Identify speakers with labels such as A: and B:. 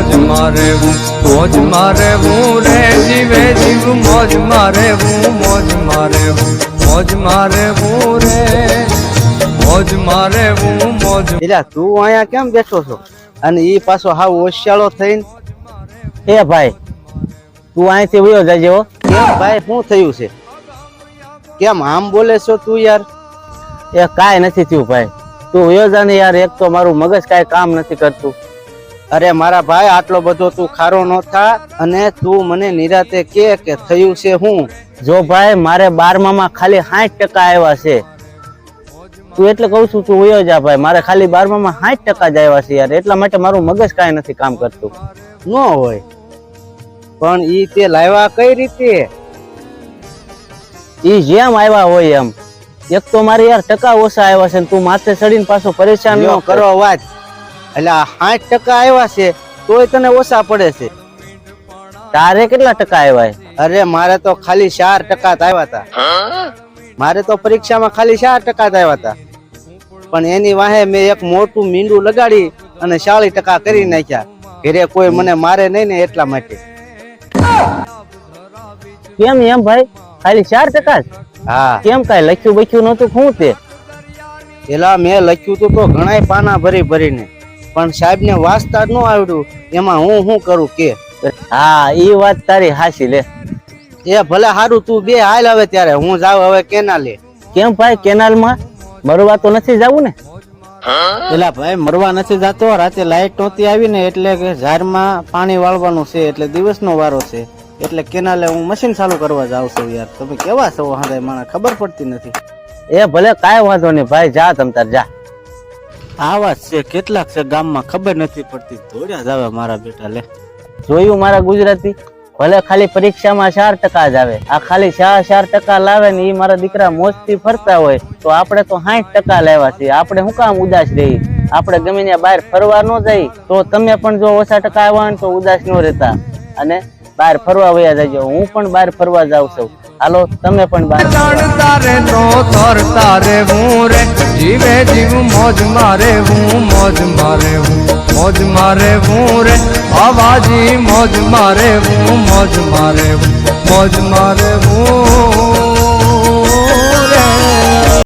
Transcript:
A: મોજમાં રહેવું, મોજમાં રહેવું રે જીવે જીવ મોજમાં રહેવું, મોજમાં રહેવું, મોજમાં રહેવું રે મોજમાં રહેવું, મોજ.
B: એટલે તું અહીંયા કેમ બેઠો છો અને ઈ પાછો હાવ હોશિયાળો થઈને?
C: એ ભાઈ તું અહીંથી વયો જાજે હો.
B: કેમ ભાઈ શું થયું છે? કેમ આમ બોલે છો તું યાર?
C: એ કાંઈ નથી થયું ભાઈ, તું વયો જા ને યાર. એક તો મારું મગજ કાંઈ કામ નથી કરતું.
B: અરે મારા ભાઈ આટલો બધો તું ખારો ન થા અને તું મને નિરાતે કે થયું છે હું?
C: જો ભાઈ મારે 12માં ખાલી 60% આવ્યા છે. તું એટલે કહું છું તું વયો જા ભાઈ. મારે ખાલી 12માં 60% જ આવ્યા છે યાર, એટલા માટે મારું મગજ કાંઈ નથી કામ કરતું.
B: ન હોય પણ ઈ તે લાવ્યા કઈ રીતે?
C: ઈ જેમ આવ્યા હોય એમ. એક તો મારે યાર ટકા ઓછા આવ્યા છે ને તું માથે ચડીને પાછો પરેશાન ન
B: કરો વાત. એટલે 60% આવ્યા છે તોય તને ઓછા પડે છે.
C: તારે કેટલા ટકા આવ્યા?
B: અરે મારે તો ખાલી 4% જ આવ્યા હતા. મારે તો પરીક્ષામાં ખાલી 4% જ આવ્યા હતા, પણ એની વાહે મેં એક મોટું મીંડું લગાડી અને 40% કરી નાખ્યા. ઘરે કોઈ મને મારે નહીં ને એટલા માટે.
C: કેમ એમ ભાઈ? ખાલી 4%?
B: હા.
C: કેમ કાંઈ લખ્યું બખ્યું નતું? શું તે?
B: પેલા મેં લખ્યું તું તો ઘણાય પાના ભરી ભરીને, પણ સાહેબ ને વાંચતા જ ન આવડ્યું. એમાં હું શું કરું કે?
C: હા ઈ વાત તારી હાચી લે.
B: એ ભલે હારું, તું બે હાલ હવે ત્યારે હું જાવ હવે કેનાલે.
C: કેમ ભાઈ કેનાલમાં મરવા તો નથી જવું ને?
B: પેલા ભાઈ મરવા નથી જાતો. રાતે લાઈટ નહોતી આવી ને એટલે કે ઝાડમાં પાણી વાળવાનું છે, એટલે દિવસનો વારો છે, એટલે કેનાલે હું મશીન ચાલુ કરવા જાઉં છું. યાર તમે કેવા છો હાંડે, મને ખબર પડતી નથી.
C: એ ભલે કાંઈ વાંધો નહીં ભાઈ, જા તમ તાર જા.
B: આવા છે કેટલાક છે ગામમાં, ખબર નથી પડતી. દોડ્યા જ આવે મારા બેટા. લે
C: જોયું મારા ગુજરાતી? ભલે ખાલી પરીક્ષામાં 4% જ આવે, આ ખાલી 4% લાવે ને એ મારા દીકરા મોજથી ફરતા હોય તો આપણે તો 60% લાવ્યા છીએ. આપણે શું કામ ઉદાસ રહી? આપણે ગમે ત્યાં બહાર ફરવા ન જઈ તો તમે પણ જો ઓછા ટકા આવ્યા ને તો ઉદાસ ન રહેતા અને બહાર ફરવા વયા જજો. હું પણ બહાર ફરવા જાઉં છું, હાલો તમે પણ બહાર.
A: તારે તો તરતા રહેવું રે જીવે જીવ મોજમાં રહેવું, મોજમાં રહેવું, મોજમાં રહેવું રે અવાજી મોજમાં રહેવું, મોજમાં રહેવું, મોજમાં રહેવું.